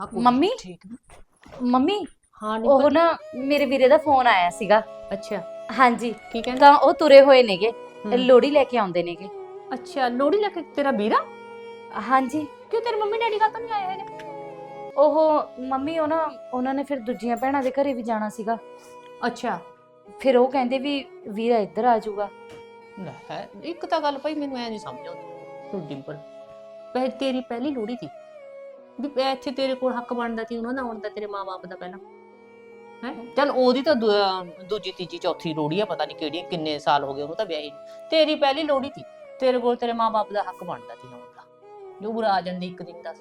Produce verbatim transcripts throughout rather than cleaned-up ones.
ਆ ਕੋਈ ਮੰਮੀ ਠੀਕ ਮੰਮੀ ਹਾਂ ਉਹ ਨਿਕਲ ਨਾ ਮੇਰੇ ਵੀਰੇ ਦਾ ਫੋਨ ਆਇਆ ਸੀਗਾ। ਅੱਛਾ ਹਾਂਜੀ ਕੀ ਕਹਿੰਦਾ ਤਾਂ ਉਹ ਤੁਰੇ ਹੋਏ ਨੇਗੇ, ਹਮ। ਲੋੜੀ ਲੈ ਕੇ ਆਉਂਦੇ ਨੇਗੇ। ਅੱਛਾ ਲੋੜੀ ਲੈ ਕੇ ਤੇਰਾ ਵੀਰਾ ਹਾਂਜੀ ਕਿਉਂ ਤੇਰੇ ਮੰਮੀ ਡੈਡੀ ਕਾ ਤਾਂ ਨਹੀਂ ਆਏ ਹੈਗੇ ਉਹ ਮੰਮੀ ਉਹ ਨਾ ਉਹਨਾਂ ਨੇ ਫਿਰ ਦੂਜੀਆਂ ਭੈਣਾਂ ਦੇ ਘਰੇ ਵੀ ਜਾਣਾ ਸੀਗਾ। ਅੱਛਾ ਫਿਰ ਉਹ ਕਹਿੰਦੇ ਵੀ ਵੀਰਾ ਇੱਧਰ ਆ ਜਾਊਗਾ। ਲੈ ਹੈ ਇੱਕ ਤਾਂ ਗੱਲ ਭਾਈ ਮੈਨੂੰ ਐ ਨਹੀਂ ਸਮਝ ਆਉਂਦੀ ਤੂੰ ਡਿੰਪਲ ਪਹਿ ਤੇਰੀ ਪਹਿਲੀ ਲੋੜੀ ਸੀ ਵੀ ਇਹ ਇੱਥੇ ਤੇਰੇ ਕੋਲ ਹੱਕ ਬਣਦਾ ਸੀ ਉਹਨਾਂ ਦਾ ਆਉਣ ਦਾ ਤੇਰੇ ਮਾਂ-ਬਾਪ ਦਾ ਪਹਿਲਾਂ ਹੈ ਚੱਲ ਉਹਦੀ ਤਾਂ ਦੂ- ਅਹ ਦੂਜੀ ਤੀਜੀ ਚੌਥੀ ਲੋੜੀ ਆ ਪਤਾ ਨਹੀਂ ਕਿਹੜੀ ਕਿੰਨੇ ਸਾਲ ਹੋ ਗਏ ਉਹਨੂੰ ਤਾਂ ਵਿਆਹੀ ਨੂੰ। ਤੇਰੀ ਪਹਿਲੀ ਲੋੜੀ ਸੀ ਤੇਰੇ ਕੋਲ ਤੇਰੇ ਮਾਂ-ਬਾਪ ਦਾ ਹੱਕ ਬਣਦਾ ਸੀ ਆਉਣ ਦਾ ਜੋ ਬੁਰਾ ਆ ਜਾਂਦੀ ਇੱਕ ਦਿਨ ਦਾ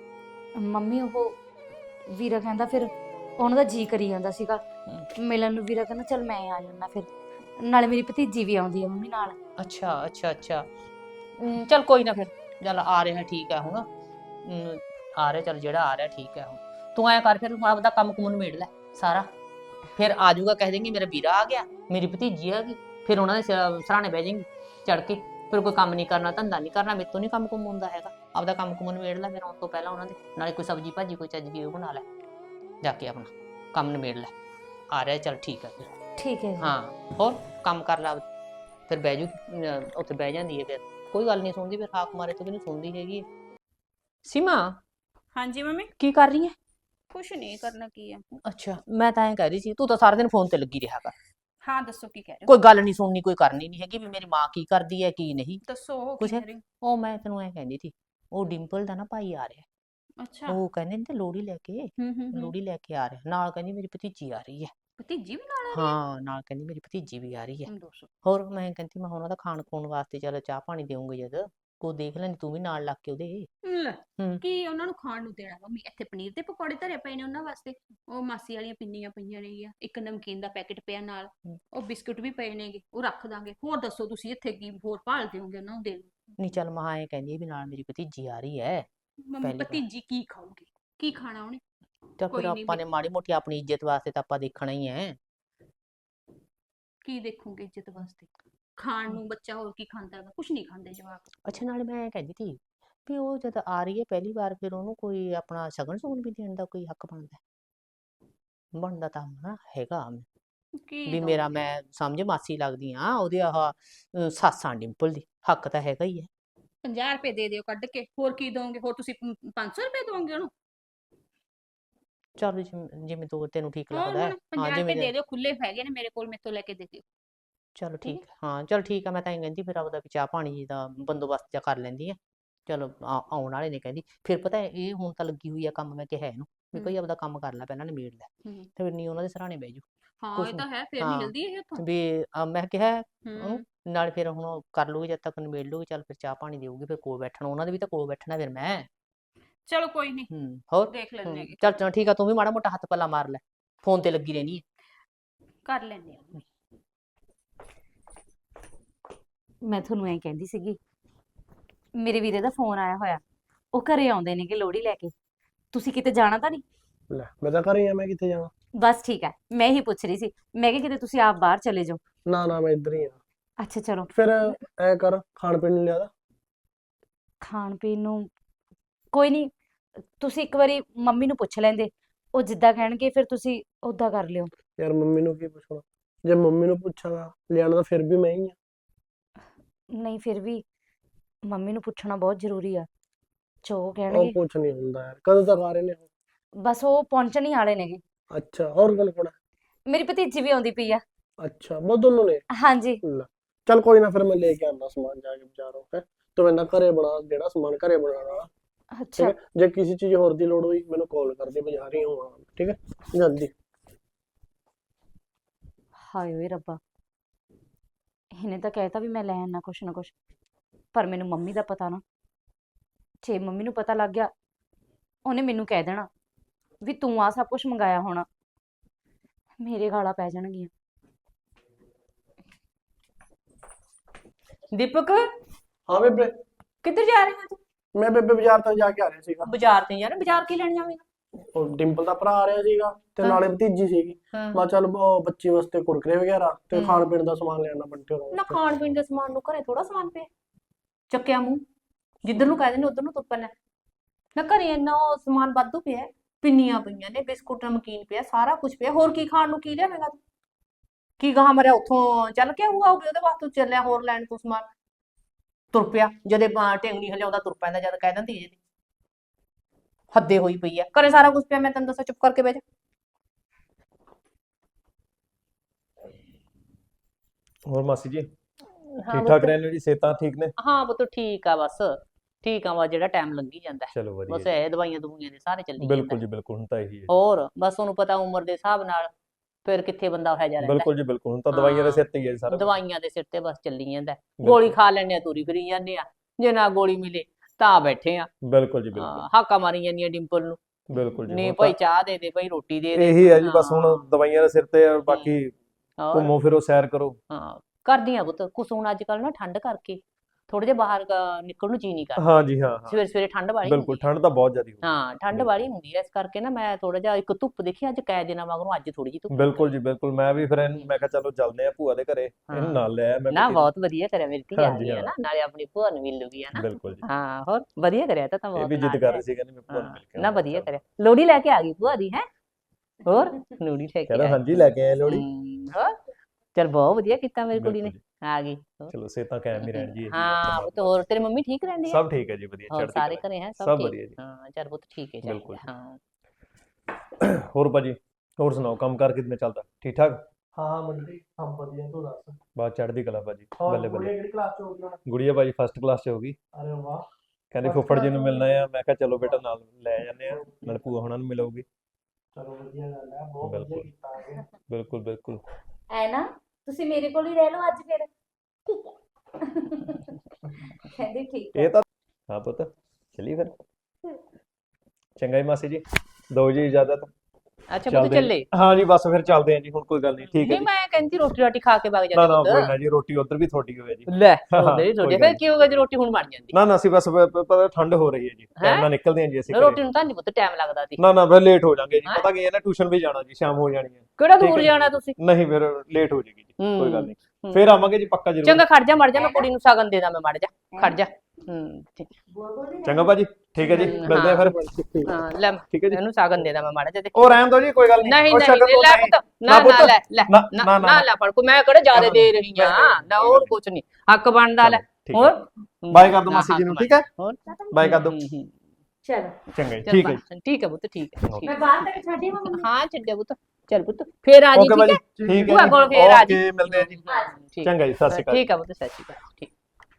ਮੰਮੀ ਉਹ ਵੀਰਾ ਕਹਿੰਦਾ ਫਿਰ ਉਹਨਾਂ ਦਾ ਜੀ ਕਰੀ ਜਾਂਦਾ ਸੀਗਾ ਮਿਲਣ ਨੂੰ। ਵੀਰਾ ਕਹਿੰਦਾ ਚੱਲ ਮੈਂ ਆ ਜਾਣਾ, ਫਿਰ ਨਾਲੇ ਮੇਰੀ ਭਤੀਜੀ ਵੀ ਆਉਂਦੀ ਹੈ ਮੰਮੀ ਨਾਲ। ਅੱਛਾ ਅੱਛਾ ਅੱਛਾ ਹਮ, ਚੱਲ ਕੋਈ ਨਾ ਫਿਰ ਚੱਲ ਆ ਰਿਹਾ ਠੀਕ ਹੈ ਹੁਣ ਹਮ, ਆ ਰਿਹਾ ਚੱਲ ਜਿਹੜਾ ਆ ਰਿਹਾ ਠੀਕ ਹੈ ਹੁਣ ਤੂੰ ਐ ਕਰ ਫਿਰ ਆਪਦਾ ਕੰਮ ਕੁਮ ਨਿਬੇੜ ਲੈ ਸਾਰਾ ਫਿਰ ਆ ਜਾਊਗਾ ਕਹਿ ਦੇਂਗੀ ਮੇਰਾ ਵੀਰਾ ਆ ਗਿਆ ਮੇਰੀ ਭਤੀਜੀ ਆ ਗਈ ਫਿਰ ਉਹਨਾਂ ਦੇ ਸਿਰ- ਸਿਰਹਾਣੇ ਬਹਿ ਜਾਏਗੀ ਚੜ ਕੇ। ਫਿਰ ਕੋਈ ਕੰਮ ਨਹੀਂ ਕਰਨਾ ਧੰਦਾ ਨਹੀਂ ਕਰਨਾ ਮੇਰੇ ਤੋਂ ਨਹੀਂ ਕੰਮ ਕੁਮ ਹੁੰਦਾ ਹੈਗਾ। ਆਪਦਾ ਕੰਮ ਕੁਮ ਨਿਬੇੜ ਲੈ ਫਿਰ ਆਉਣ ਤੋਂ ਪਹਿਲਾਂ ਉਹਨਾਂ ਦੇ ਨਾਲੇ ਕੋਈ ਸਬਜ਼ੀ ਭਾਜੀ ਕੋਈ ਚੱਜ ਦੀ ਉਹ ਬਣਾ ਲੈ ਜਾ ਕੇ ਆਪਣਾ ਕੰਮ ਨਿਬੇੜ ਲੈ। ਆ ਰਿਹਾ ਚੱਲ ਠੀਕ ਹੈ ਫਿਰ ਠੀਕ ਹੈ ਜੀ। ਹਾਂ ਹੋਰ ਕੰਮ ਕਰ ਲਾ ਫਿਰ ਬਹਿ ਜੂ ਅਹ ਉੱਥੇ ਬਹਿ ਜਾਂਦੀ ਹੈ ਫਿਰ ਕੋਈ ਗੱਲ ਨਹੀਂ ਸੁਣਦੀ ਫਿਰ ਹਾਕ ਮਾਰੇ ਤੋਂ ਵੀ ਨਹੀਂ ਸੁਣਦੀ ਹੈਗੀ। ਸੀਮਾ ਹਾਂਜੀ ਮੰਮੀ ਕੀ ਕਰ ਰਹੀ ਹੈ? ਕੁਛ ਨਹੀਂ ਕਰਨਾ ਕੀ ਹੈ। ਅੱਛਾ ਮੈਂ ਤਾਂ ਐਂ ਕਹਿ ਰਹੀ ਸੀ ਤੂੰ ਤਾਂ ਸਾਰਾ ਦਿਨ ਫੋਨ ਤੇ ਲੱਗੀ ਰਿਹਾ ਕਰ ਹਾਂ ਦੱਸੋ ਕੀ ਕਹਿ ਰਹੇ ਹੋ। ਕੋਈ ਗੱਲ ਨਹੀਂ ਸੁਣਨੀ ਕੋਈ ਕਰਨੀ ਨਹੀਂ ਹੈਗੀ ਵੀ ਮੇਰੀ ਮਾਂ ਕੀ ਕਰਦੀ ਹੈ ਕੀ ਨਹੀਂ ਦੱਸੋ ਉਹ ਕੀ ਕੁਛ ਕਹਿ ਰਹੇ ਹੋ। ਉਹ ਮੈਂ ਤੈਨੂੰ ਐਂ ਕਹਿੰਦੀ ਸੀ ਉਹ ਡਿੰਪਲ ਦਾ ਨਾ ਭਾਈ ਆ ਰਿਹਾ ਅੱਛਾ ਉਹ ਕਹਿੰਦੇ ਨੇ ਤੇ ਲੋੜੀ ਲੈ ਕੇ ਹੂੰ ਹੂੰ ਹੂੰ ਲੋੜੀ ਲੈ ਕੇ ਆ ਰਿਹਾ ਨਾਲ ਕਹਿੰਦੀ ਮੇਰੀ ਭਤੀਜੀ ਆ ਰਹੀ ਹੈ। ਭਤੀਜੀ ਵੀ ਨਾਲ ਆ ਰਹੀ ਹਾਂ ਨਾਲ ਕਹਿੰਦੀ ਮੇਰੀ ਭਤੀਜੀ ਵੀ ਆ ਰਹੀ ਹੈ। ਹੈ ਦੱਸੋ ਹੋਰ ਮੈਂ ਕਹਿੰਦੀ ਮੈਂ ਉਹਨਾਂ ਦਾ ਖਾਣ ਖੂਣ ਵਾਸਤੇ ਚੱਲ ਚਾਹ ਪਾਣੀ ਦੇਵਾਂਗੇ ਜਦ ਕੋ ਦੇਖ ਲੈਂਦੀ ਤੂੰ ਵੀ ਨਾਲ ਲੱਗ ਕੇ ਉਹਦੇ ਲੈ ਹੂੰ ਕੀ ਉਹਨਾਂ ਨੂੰ ਖਾਣ ਨੂੰ ਦੇਣਾ ਮੰਮੀ। ਇੱਥੇ ਪਨੀਰ ਦੇ ਪਕੌੜੇ ਧਰੇ ਪਏ ਨੇ ਉਹਨਾਂ ਵਾਸਤੇ, ਉਹ ਮਾਸੀ ਵਾਲੀਆਂ ਪਿੰਨੀਆਂ ਪਈਆਂ ਨੇਗੀਆਂ, ਇੱਕ ਨਮਕੀਨ ਦਾ ਪੈਕੇਟ ਪਿਆ ਨਾਲ, ਹੂੰ। ਉਹ ਬਿਸਕੁਟ ਵੀ ਪਏ ਨੇਗੇ ਉਹ ਰੱਖ ਦਾਂਗੇ। ਹੋਰ ਦੱਸੋ ਤੁਸੀਂ ਇੱਥੇ ਕੀ ਹੋਰ ਭਾਲ ਦਿਓਗੇ ਉਹਨਾਂ ਨੂੰ ਦੇਣ ਨੂੰ। ਨਹੀਂ ਚੱਲ ਮਹਾ ਐ ਕਹਿੰਦੀ ਵੀ ਨਾਲ ਮੇਰੀ ਭਤੀਜੀ ਆ ਰਹੀ ਹੈ ਮੰਮੀ ਪਹਿਲੀ ਵਾਰ ਭਤੀਜੀ ਕੀ ਖਾਊਗੀ, ਕੀ ਖਾਣਾ ਉਹਨੇ। ਤਾਂ ਫਿਰ ਕੋਈ ਨੀ ਆਪਾਂ ਨੇ ਮਾੜੀ ਮੋਟੀ ਆਪਣੀ ਇੱਜ਼ਤ ਵਾਸਤੇ ਤਾਂ ਆਪਾਂ ਦੇਖਣਾ ਹੀ ਹੈ। ਕੀ ਦੇਖੋਗੇ ਇੱਜ਼ਤ ਵਾਸਤੇ। ਖਾਣ ਨੂੰ ਬੱਚਾ ਹੋਰ ਕੀ ਖਾਂਦਾ ਹੈਗਾ, ਕੁਛ ਨਹੀਂ ਖਾਂਦੇ ਜਵਾਕ। ਅੱਛਾ ਨਾਲੇ ਮੈਂ ਐਂ ਕਹਿੰਦੀ ਸੀ ਵੀ ਉਹ ਜਦ ਆ ਰਹੀ ਹੈ ਪਹਿਲੀ ਵਾਰ ਫਿਰ ਉਹਨੂੰ ਕੋਈ ਆਪਣਾ ਸ਼ਗਨ ਸ਼ੁਗਨ ਵੀ ਦੇਣ ਦਾ ਕੋਈ ਹੱਕ ਬਣਦਾ ਹੈ? ਬਣਦਾ ਤਾਂ ਨਾ ਹੈਗਾ ਕੀ ਵੀ ਮੇਰਾ ਦਊਂਗੇ? ਮੈਂ ਸਮਝ ਮਾਸੀ ਲੱਗਦੀ ਆ ਉਹਦੀ ਆਹ ਅਹ, ਸੱਸ ਆ ਡਿੰਪਲ ਦੀ ਹੱਕ ਤਾਂ ਹੈਗਾ ਹੀ ਹੈ। ਪੰਜਾਹ ਰੁਪਏ ਦੇ ਦਿਓ ਕੱਢ ਕੇ, ਹੋਰ ਕੀ ਦੋਗੇ। ਹੋਰ ਤੁਸੀਂ ਪੰਜ ਸੌ ਰੁਪਏ ਦੋਗੇ ਉਹਨੂੰ। ਚੱਲ ਜਿਵੇਂ ਜਿਵੇਂ ਤੂੰ ਤੈਨੂੰ ਠੀਕ ਹੋਰ ਲੱਗਦਾ ਹੈ ਹੁਣ ਹਾਂ ਪੰਜਾਹ ਜਿਵੇਂ ਰੁਪਏ ਦੇ ਦਿਓ, ਖੁੱਲੇ ਹੈਗੇ ਨੇ ਮੇਰੇ ਕੋਲ, ਮੇਰੇ ਤੋਂ ਲੈ ਕੇ ਦੇ ਦਿਓ। ਚਲੋ ਠੀਕ ਠੀਕ ਹੈ ਹਾਂ ਚਲ ਠੀਕ ਆ ਮੈਂ ਤਾਂ ਇਹ ਕਹਿੰਦੀ ਫਿਰ ਆਪਦਾ ਵੀ ਚਾਹ ਪਾਣੀ ਦਾ ਬੰਦੋਬਸਤ ਜਾ ਕਰ ਲੈਂਦੀ ਆ। ਚਲੋ ਆ- ਆਉਣ ਵਾਲੇ ਨੇ ਕਹਿੰਦੀ ਫਿਰ ਪਤਾ ਹੈ, ਇਹ ਹੁਣ ਤਾਂ ਲੱਗੀ ਹੋਈ ਆ ਕੰਮ ਮੈਂ ਕਿਹਾ ਇਹਨੂੰ ਵੀ ਕੋਈ ਹੂੰ ਆਪਦਾ ਕੰਮ ਕਰ ਲੈ ਪਹਿਲਾਂ ਨਿਬੇੜ ਲੈ ਹੂੰ ਤੇ ਫਿਰ ਨਹੀਂ ਉਹਨਾਂ ਦੇ ਸਰਾਣੇ ਬਹਿ ਜੂ ਹਾਂ ਕੁਛ ਇਹ ਨੀ ਤਾਂ ਹੈ, ਫੇਰ ਹਾਂ ਨਿਕਲਦੀ ਇਹ ਉੱਥੋਂ। ਵੀ ਆ ਮੈਂ ਕਿਹਾ ਉਹਨੂੰ ਹੂੰ ਨਾਲ ਫਿਰ ਹੁਣ ਉਹ ਕਰ ਲੂਗੀ ਜਦ ਤੱਕ ਨਿਬੇੜ ਲੂਗੀ ਚੱਲ ਫਿਰ ਚਾਹ ਪਾਣੀ ਦੇਊਗੀ ਫਿਰ ਕੋਲ ਬੈਠਣਾ ਉਹਨਾਂ ਦੇ ਵੀ ਤਾਂ ਕੋਲ ਬੈਠਣਾ ਫਿਰ ਮੈਂ ਚਲੋ ਕੋਈ ਨਹੀਂ, ਹੂੰ ਹੋਰ ਦੇਖ ਲੈਣੇ ਹੂੰ ਹੈਗੇ, ਚੱਲ ਚੱਲ ਠੀਕ ਆ ਤੂੰ ਵੀ ਮਾੜਾ ਮੋਟਾ ਹੱਥ ਪੱਲਾ ਮਾਰ ਲੈ ਫੋਨ ਤੇ ਲੱਗੀ ਰਹਿਣੀ ਹੈ। ਕਰ ਲੈਣੇ ਆ। ਮੈਂ ਤੁਹਾਨੂੰ ਐਂ ਕਹਿੰਦੀ ਸੀਗੀ ਮੇਰੇ ਵੀਰੇ ਦਾ ਫੋਨ ਆਇਆ ਹੋਇਆ, ਉਹ ਘਰੇ ਆਉਂਦੇ ਨੇਗੇ ਲੋੜੀ ਲੈ ਕੇ। ਤੁਸੀਂ ਕਿਤੇ ਜਾਣਾ ਤਾਂ ਨਹੀਂ? ਲੈ ਮੈਂ ਤਾਂ ਘਰੇ ਹੀ ਆ, ਮੈਂ ਕਿੱਥੇ ਜਾਵਾਂ। ਬਸ ਠੀਕ ਹੈ, ਮੈਂ ਹੀ ਪੁੱਛ ਰਹੀ ਸੀ। ਮੈਂ ਕਿਹਾ ਕਿਤੇ ਤੁਸੀਂ ਆਪ ਬਾਹਰ ਚਲੇ ਜਾਓ। ਨਾ ਨਾ ਮੈਂ ਇੱਧਰ ਹੀ ਆ। ਅੱਛਾ ਚਲੋ। ਫਿਰ ਐ ਕਰ ਖਾਣ ਪੀਣ ਨੂੰ ਲਿਆਦਾ। ਖਾਣ ਪੀਣ ਨੂੰ ਕੋਈ ਨਹੀਂ, ਤੁਸੀਂ ਇੱਕ ਵਾਰੀ ਮੰਮੀ ਨੂੰ ਪੁੱਛ ਲੈਂਦੇ, ਉਹ ਜਿੱਦਾਂ ਕਹਿਣਗੇ ਫਿਰ ਤੁਸੀਂ ਉਦਾਂ ਕਰ ਲਿਓ। ਯਾਰ ਮੰਮੀ ਨੂੰ ਕੀ ਪੁੱਛਣਾ, ਜੇ ਮੰਮੀ ਨੂੰ ਪੁੱਛਾਂਗਾ ਲਿਆਣਾ ਤਾਂ ਫਿਰ ਵੀ ਮੈਂ ਹੀ ਆ। ਨਹੀਂ ਫਿਰ ਵੀ ਮੰਮੀ ਨੂੰ ਪੁੱਛਣਾ ਬਹੁਤ ਜ਼ਰੂਰੀ ਆ, ਜੋ ਉਹ ਉਹ ਕਹਿਣਗੇ। ਕੁਛ ਨਹੀਂ ਹੁੰਦਾ ਯਾਰ, ਕਦੋਂ ਤੱਕ ਆ ਰਹੇ ਨੇ ਉਹ? ਬਸ ਉਹ ਪਹੁੰਚਣ ਹੀ ਵਾਲੇ ਨੇਗੇ। ਅੱਛਾ ਹੋਰ ਗੱਲ ਕੋਣਾ। ਮੇਰੀ ਭਤੀਜੀ ਵੀ ਆਉਂਦੀ ਪਈ ਆ। ਅੱਛਾ ਬਸ ਦੋਨੋਂ ਨੇ। ਹਾਂਜੀ ਲੈ ਚੱਲ ਕੋਈ ਨਾ, ਫਿਰ ਮੈਂ ਲੈ ਕੇ ਆਉਂਦਾ ਸਮਾਨ ਜਾ ਕੇ ਬਾਜ਼ਾਰੋਂ ਹੈ। ਤੂੰ ਇਹਨਾਂ ਘਰੇ ਬਣਾ ਜਿਹੜਾ ਸਮਾਨ ਘਰੇ ਬਣਾਉਣ ਵਾਲਾ, ਠੀਕ ਅੱਛਾ ਹੈ। ਜੇ ਕਿਸੇ ਚੀਜ਼ ਹੋਰ ਦੀ ਲੋੜ ਹੋਈ ਮੈਨੂੰ ਕਾਲ ਕਰ ਦੇ, ਬਾਜ਼ਾਰ ਹੀ ਹੋਵਾਂ ਠੀਕ ਹੈ ਜਲਦੀ। ਹਾਏ ਓਏ ਰੱਬਾ, ਇਹਨੇ ਤਾਂ ਕਹਿਤਾ ਵੀ ਮੈਂ ਲੈ ਆਣਾ ਕੁਛ ਨਾ ਕੁਛ, ਪਰ ਮੈਨੂੰ ਮੰਮੀ ਦਾ ਪਤਾ ਨਾ। ਜੇ ਮੰਮੀ ਨੂੰ ਪਤਾ ਲੱਗ ਗਿਆ ਉਹਨੇ ਮੈਨੂੰ ਕਹਿ ਦੇਣਾ ਵੀ ਤੂੰ ਆ ਸਭ ਕੁਝ ਮੰਗਾਇਆ ਹੋਣਾ, ਮੇਰੇ ਗਾਲਾਂ ਪੈ ਜਾਣਗੀਆਂ। ਦੀਪਕ ਹਾਂ ਬੇਬੇ, ਕਿੱਧਰ ਜਾ ਰਹੀ ਹੈ ਤੂੰ? ਮੈਂ ਬੇਬੇ ਬਾਜ਼ਾਰ ਤੋਂ ਜਾ ਕੇ ਆ ਰਿਹਾ ਸੀਗਾ। ਬਾਜ਼ਾਰ ਤੇ ਯਾਰ ਬਾਜ਼ਾਰ ਕੀ ਲੈਣ ਜਾਵੇਂਗਾ? ਉਹ ਡਿੰਪਲ ਦਾ ਭਰਾ ਆ ਰਿਹਾ ਸੀਗਾ ਤੇ ਹਾਂ। ਨਾਲੇ ਭਤੀਜੀ ਸੀਗੀ। ਹਾਂ ਮੈਂ ਚੱਲ ਉਹ ਬੱਚੀ ਵਾਸਤੇ ਕੁਰਕਰੇ ਵਗੈਰਾ ਤੇ ਹੂੰ। ਖਾਣ ਪੀਣ ਦਾ ਸਮਾਨ ਲੈਣਾ ਬੰਟੇ ਹੋਰਾਂ ਨਾ ਵਾਸਤੇ। ਖਾਣ ਪੀਣ ਦੇ ਸਮਾਨ ਨੂੰ ਘਰੇ ਥੋੜਾ ਸਮਾਨ ਪਿਆ ਚੱਕਿਆ ਮੂੰਹ ਜਿੱਧਰ ਨੂੰ ਕਹਿ ਦਿੰਦੇ ਉਧਰ ਨੂੰ ਤੁਰ ਪੈਣਾ। ਨਾ ਘਰੇ ਇੰਨਾ ਉਹ ਸਮਾਨ ਵਾਧੂ ਪਿਆ ਪਿੰਨੀਆਂ ਪਈਆਂ ਨੇ, ਬਿਸਕੁਟ ਨਮਕੀਨ ਪਿਆ, ਸਾਰਾ ਕੁਝ ਪਿਆ, ਹੋਰ ਕੀ ਖਾਣ ਨੂੰ ਕੀ ਲਿਆਵੇਂਗਾ ਤੂੰ? ਕੀ ਗਾਹ ਮਰਿਆ ਉੱਥੋਂ ਚੱਲ ਕੇ ਆਊਗਾ ਉਹ ਵੀ ਉਹਦੇ ਵਾਸਤੇ ਚੱਲਿਆ ਹੋਰ ਲੈਣ ਤੂੰ ਸਮਾਨ। ਤੁਰ ਪਿਆ ਜਦੇ ਟੇਂਗਣੀ ਹਲਿਆਉਂਦਾ ਤੁਰ ਪੈਂਦਾ ਜਦ ਕਹਿ ਦਿੰਦੀ ਜੇ ਹੱਦੇ ਹੋਈ ਪਈ ਆ। ਘਰੇ ਸਾਰਾ ਕੁਝ ਪਿਆ, ਮੈਂ ਤੈਨੂੰ ਦੱਸਾਂ, ਚੁੱਪ ਕਰਕੇ ਬਹਿ ਜਾ। ਹੋਰ ਮਾਸੀ ਜੀ ਹਾਂ ਠੀਕ ਠਾਕ ਪੁੱਤ, ਰਹਿੰਦੇ ਹੋ ਜੀ? ਸਿਹਤਾਂ ਠੀਕ ਨੇ? ਹਾਂ ਪੁੱਤ ਠੀਕ ਆ, ਬਸ ਠੀਕ ਆ, ਵਾ ਜਿਹੜਾ ਟਾਈਮ ਲੰਘੀ ਜਾਂਦਾ ਹੈ। ਚਲੋ ਵਧੀਆ ਬਸ ਜੀ। ਇਹ ਦਵਾਈਆਂ ਦਵਾਈਆਂ ਦੇ ਸਾਰੇ ਚੱਲੀ ਜਾਂਦਾ ਬਿਲਕੁਲ ਹੈ। ਜੀ ਬਿਲਕੁਲ, ਹੁਣ ਤਾਂ ਇਹੀ ਹੈ ਜੀ। ਹੋਰ ਬਸ ਉਹਨੂੰ ਪਤਾ ਉਮਰ ਦੇ ਹਿਸਾਬ ਨਾਲ ਫਿਰ ਕਿੱਥੇ ਬੰਦਾ ਹੋਇਆ ਜਾ ਰਹਿੰਦਾ ਬਿਲਕੁਲ ਜੀ ਬਿਲਕੁਲ, ਹੁਣ ਤਾਂ ਦਵਾਈਆਂ ਦੇ ਸਿਰ ਤੇ ਹੀ ਹੈ ਜੀ ਸਾਰਾ ਕੁਛ। ਦਵਾਈਆਂ ਦੇ ਸਿਰ ਤੇ ਬਸ ਚੱਲੀ ਜਾਂਦਾ ਹੈ। ਗੋਲੀ ਖਾ ਲੈਣੇ ਆ, ਤੁਰੀ ਫਿਰੀ ਜਾਂਦੇ ਆ, ਜੇ ਨਾ ਗੋਲੀ ਮਿਲੇ ਤਾਂ ਬੈਠੇ ਆ। ਬਿਲਕੁਲ ਜੀ ਬਿਲਕੁਲ, ਹਾਂ, ਹਾਕਾ ਮਾਰੀ ਜਾਂਦੀਆਂ ਡਿੰਪਲ ਨੂੰ, ਬਿਲਕੁਲ ਜੀ। ਨੇ ਹੁਣ ਭਾਈ ਤਾਂ ਚਾਹ ਦੇ ਦੇ, ਭਾਈ ਰੋਟੀ ਦੇ ਦੇ। ਇਹੀ ਹੈ ਜੀ, ਬਸ ਹੁਣ ਹਾਂ, ਦਵਾਈਆਂ ਦੇ ਸਿਰ ਤੇ ਆ, ਬਾਕੀ ਹੋਰ ਘੁੰਮੋ ਫਿਰੋ, ਸੈਰ ਕਰੋ। ਹਾਂ ਕਰਦੀ ਆ ਪੁੱਤ ਕੁਛ। ਹੁਣ ਅੱਜ ਕੱਲ ਨਾ ਠੰਡ ਕਰਕੇ ਥੋੜੇ ਜਿਹਾ ਬਾਹਰ ਕ- ਨਿਕਲਣ ਨੂੰ ਜੀ ਨਹੀਂ ਕਰਦਾ। ਹਾਂ ਜੀ, ਹਾਂ ਹਾਂ ਸਵੇਰੇ ਸਵੇਰੇ ਠੰਡ ਵਾਲੀ ਬਿਲਕੁਲ, ਹੁੰਦੀ ਹੈ। ਠੰਡ ਤਾਂ ਬਹੁਤ ਜ਼ਿਆਦਾ ਹੋ ਗਈ। ਹਾਂ ਠੰਡ ਬਿਲਕੁਲ। ਵਾਲੀ ਹੁੰਦੀ ਹੈ, ਇਸ ਕਰਕੇ ਨਾ ਮੈਂ ਥੋੜਾ ਜਿਹਾ ਇੱਕ ਧੁੱਪ ਦੇਖੀ ਅੱਜ ਕੈ ਦਿਨਾਂ ਮਗਰੋਂ, ਅੱਜ ਥੋੜੀ ਜਿਹੀ ਧੁੱਪ ਬਿਲਕੁਲ ਜੀ ਬਿਲਕੁਲ, ਮੈਂ ਵੀ ਫਿਰ ਇਹਨੂੰ ਮੈਂ ਕਿਹਾ ਚਲੋ ਚੱਲਦੇ ਆ ਭੂਆ ਦੇ ਘਰੇ, ਇਹਨੂੰ ਹਾਂ। ਨਾਲ ਲੈ ਆਇਆ ਮੈਂ ਨਾ ਵੀ। ਬਹੁਤ ਵਧੀਆ ਕਰਿਆ, ਮੇਰੀ ਧੀ ਆ ਹਾਂਜੀ, ਗਈ ਹੈ ਹਾਂ। ਨਾ, ਨਾਲੇ ਆਪਣੀ ਭੂਆ ਨੂੰ ਮਿਲੂਗੀ ਹੈ ਨਾ। ਬਿਲਕੁਲ ਜੀ, ਹਾਂ ਹੋਰ ਵਧੀਆ ਕਰਿਆ ਤਾਂ ਤਾਂ ਇਹ ਬਹੁਤ ਵੀ ਜਿੱਦ ਨਾਲ ਕਰ ਹੈ। ਰਹੀ ਸੀ, ਕਹਿੰਦੀ ਮੈਂ ਭੂਆ ਨੂੰ ਹਾਂ, ਮਿਲ ਕੇ ਨਾ ਆਉਣਾ। ਵਧੀਆ ਕਰਿਆ, ਲੋਹੜੀ ਲੈ ਕੇ ਆ ਗਈ ਭੂਆ ਦੀ ਹੈ। ਹੋਰ ਲੋਹੜੀ ਲੈ ਕੇ ਕਹਿੰਦਾ ਆ ਹਾਂਜੀ ਲੈ ਕੇ ਆਏ ਲੋਹੜੀ। ਹਮ, ਹੋਰ ਚਲ ਬਹੁਤ ਵਧੀਆ ਕੀਤਾ ਮੇਰੀ ਕੁੜੀ ਨੇ, ਬਿਲਕੁਲ ਜੀ, ਆ ਗਈ। ਹੋਰ। ਚਲੋ ਸਿਹਤਾਂ ਕਾਇਮ ਹੀ ਰਹਿਣ ਜੀ, ਇਹੀ ਹਾਂ ਪਰਮਾਤਮਾ ਪੁੱਤ, ਹੋਰ ਤੇਰੀ ਮੰਮੀ ਠੀਕ ਰਹਿੰਦੀ ਹੈ? ਸਭ ਠੀਕ ਹੈ ਜੀ, ਵਧੀਆ ਹੋਰ ਚੜ੍ਹਦੀ ਸਾਰੇ ਕਲਾ। ਘਰੇ ਹੈ ਸਭ ਸਭ ਠੀਕ? ਵਧੀਆ ਜੀ। ਹਾਂ ਚੱਲ ਪੁੱਤ ਠੀਕ ਹੈ ਬਿਲकुल ਚਾਹੀਦਾ। ਹਾਂ ਹੋਰ ਭਾਜੀ, ਹੋਰ ਸੁਣਾਓ, ਕੰਮ ਕਾਰ ਕਿਵੇਂ ਚੱਲਦਾ? ਠੀਕ ਠਾਕ? ਹਾਂ ਮੰਡੀ ਸਭ ਵਧੀਆ, ਤੂੰ ਦੱਸ। ਬਾਤ ਚੜ੍ਹਦੀ ਕਲਾ ਭਾਜੀ, ਹੋਰ ਬੱਲੇ ਗੁੜੀਆ ਬੱਲੇ। ਕਿਹੜੀ ਕਲਾਸ ਚ ਹੋ ਗਈ ਹੁਣ? ਗੁੜੀਆ ਭਾਜੀ ਫਸਟ ਕਲਾਸ ਚ ਹੋ ਗਈ, ਅਰੇ ਵਾਹ, ਕਹਿੰਦੀ First ਫੁੱਫੜ ਜੀ class ਨੂੰ ਹੋ ਮਿਲਣਾ ਗਈ। ਆ। ਮੈਂ ਕਿਹਾ ਚਲੋ ਬੇਟਾ ਨਾਲ ਲੈ ਜਾਂਦੇ ਆ, ਨਾਲ ਭੂਆ ਹੁਣਾਂ ਨੂੰ ਮਿਲੂਗੀ। ਚਲੋ ਵਧੀਆ ਗੱਲ ਹੈ, ਬਹੁਤ ਵਧੀਆ ਬਿਲਕੁਲ। ਕੀਤਾ ਆ ਕੇ। ਬਿਲਕੁਲ ਬਿਲकुल। ਐ ਨਾ ਤੁਸੀਂ ਮੇਰੇ ਕੋਲ ਹੀ ਰਹਿ ਲਓ ਅੱਜ ਫਿਰ, ਠੀਕ ਹੈ? ਕਹਿੰਦੀ ਠੀਕ ਹੈ। ਇਹ ਤਾਂ ਹਾਂ ਪੁੱਤ, ਚਲੀ ਫਿਰ। ਚੰਗਾ ਜੀ ਮਾਸੀ ਜੀ, ਦੋ ਜੀ ਇਜਾਜ਼ਤ। ਅੱਛਾ ਪੁੱਤ ਚੱਲਦੇ ਹਾਂ ਜੀ। ਚੱਲੇ? ਹਾਂ ਜੀ ਬਸ ਫਿਰ ਚੱਲਦੇ ਹਾਂ ਜੀ, ਹੁਣ ਕੋਈ ਗੱਲ ਨਹੀਂ, ਠੀਕ ਹੈ ਨਹੀਂ ਜੀ। ਮੈਂ ਕਹਿੰਦੀ ਰੋਟੀ ਰਾਟੀ ਖਾ ਕੇ ਵਗ ਨਾ ਜਾਂਦੇ ਨਾ ਕੋਈ ਪੁੱਤ। ਨਾ ਜੀ, ਰੋਟੀ ਉਧਰ ਵੀ ਤੁਹਾਡੀ ਹੋਵੇ ਜੀ। ਲੈ ਹਾਂ, ਉਹਦੇ ਹੀ ਕੋਈ ਥੋੜੀ ਗੱਲ ਫਿਰ ਕੀ ਹੋਗਾ ਜੇ ਰੋਟੀ ਹੁਣ ਬਣ ਜਾਂਦੀ? ਨਾ ਨਾ ਅਸੀਂ ਬਸ ਪ- ਪ- ਪਤਾ ਠੰਡ ਹੋ ਰਹੀ ਹੈ ਜੀ, ਹੈਂ? ਟਾਈਮ ਨਾਲ ਨਿਕਲਦੇ ਹਾਂ ਜੀ ਅਸੀਂ ਰੋਟੀ ਘਰੇ। ਨੂੰ ਤਾਂ ਨਹੀਂ ਪੁੱਤ ਟਾਈਮ ਲੱਗਦਾ ਸੀ। ਨਾ ਨਾ ਫਿਰ ਲੇਟ ਹੋ ਜਾਾਂਗੇ ਜੀ, ਹੈਂ? ਪਤਾ ਕੀ ਹੈ ਨਾ, ਟਿਊਸ਼ਨ ਵੀ ਜਾਣਾ ਜੀ, ਸ਼ਾਮ ਹੋ ਜਾਣੀ ਹੈ। ਕਿਹੜਾ ਠੀਕ ਦੂਰ ਹੈ। ਜਾਣਾ ਤੁਸੀਂ? ਨਹੀਂ ਫਿਰ ਲੇਟ ਹੋ ਜਾਏਗੀ ਜੀ, ਕੋਈ ਗੱਲ ਹੂੰ, ਨਹੀਂ, ਹੂੰ। ਫਿਰ ਆਵਾਂਗੇ ਜੀ ਪੱਕਾ ਜ਼ਰੂਰ। ਚੰਗਾ ਖੜ ਜਾ ਮੜ ਜਾ, ਮੈਂ ਕੁੜੀ ਨੂੰ ਸ਼ਗਨ ਦੇ ਦਾਂ, ਮੈਂ ਮੜ ਜਾ ਖੜ ਜਾ। ਹੂੰ ਠੀਕ। ਚੰਗਾ ਭਾਜੀ, ਠੀਕ ਹੈ ਜੀ, ਹਮ, ਮਿਲਦੇ ਆ ਫਿਰ। ਹਾਂ ਲੈ ਠੀਕ ਹੈ ਜੀ। ਇਹਨੂੰ ਸ਼ਗਨ ਦੇ ਦਾਂ ਮੈਂ ਮੜ ਜਾ ਤੇ। ਉਹ ਰਹਿਣ ਦੋ ਜੀ, ਕੋਈ ਗੱਲ ਨਹੀਂ। ਨਹੀਂ ਉਹ ਨਹੀਂ ਸ਼ਗਨ ਤੋਂ ਲੈ ਨਹੀਂ। ਪੁੱਤ, ਨਾ ਨਾ ਪੁੱਤ, ਨਾ ਲੈ ਲੈ ਨਾ ਨਾ ਨਾ ਨਾ ਲੈ ਫੜ ਕੋ, ਮੈਂ ਕਿਹੜਾ ਜ਼ਿਆਦਾ ਦੇ ਰਹੀ ਨਹੀਂ, ਆ ਨਹੀਂ, ਨਾ, ਹੋਰ ਕੁਛ ਨਹੀਂ, ਹੱਕ ਬਣਦਾ ਲੈ। ਠੀਕ ਹੈ। ਹੋਰ ਬਾਏ ਕਰ ਦੋ ਨਾ, ਮਾਸੀ ਜੀ ਹੱਕ ਨੂੰ, ਠੀਕ ਹੈ? ਹੋਰ ਬਾਏ ਕਰ ਦੋ। ਹੂੰ, ਹੂੰ। ਚਲੋ ਚੰਗਾ ਜੀ, ਚੱਲ ਠੀਕ ਹੈ ਜੀ। ਬਸ, ਠੀਕ ਹੈ ਪੁੱਤ, ਠੀਕ ਹੈ ਠੀਕ ਮੈਂ ਹੈ। ਬਾਹਰ ਤੱਕ ਛੱਡੀ ਮੰਮੀ। ਹਾਂ ਛੱਡਿਆ ਪੁੱਤ, ਚੱਲ ਪੁੱਤ ਫੇਰ ਆ ਜੀ, ਓਕੇ ਠੀਕ ਭਾਜੀ, ਹੈ? ਠੀਕ ਭੂਆ ਹੈ ਕੋਲ ਜੀ, ਫੇਰ ਆ ਜੀ। ਓਕੇ, ਮਿਲਦੇ ਆ ਜੀ। ਠੀਕ ਚੰਗਾ ਜੀ, ਸਤਿ ਸ਼੍ਰੀ ਅਕਾਲ। ਠੀਕ ਹੈ ਪੁੱਤ, ਸਤਿ ਸ਼੍ਰੀ ਅਕਾਲ, ਠੀਕ।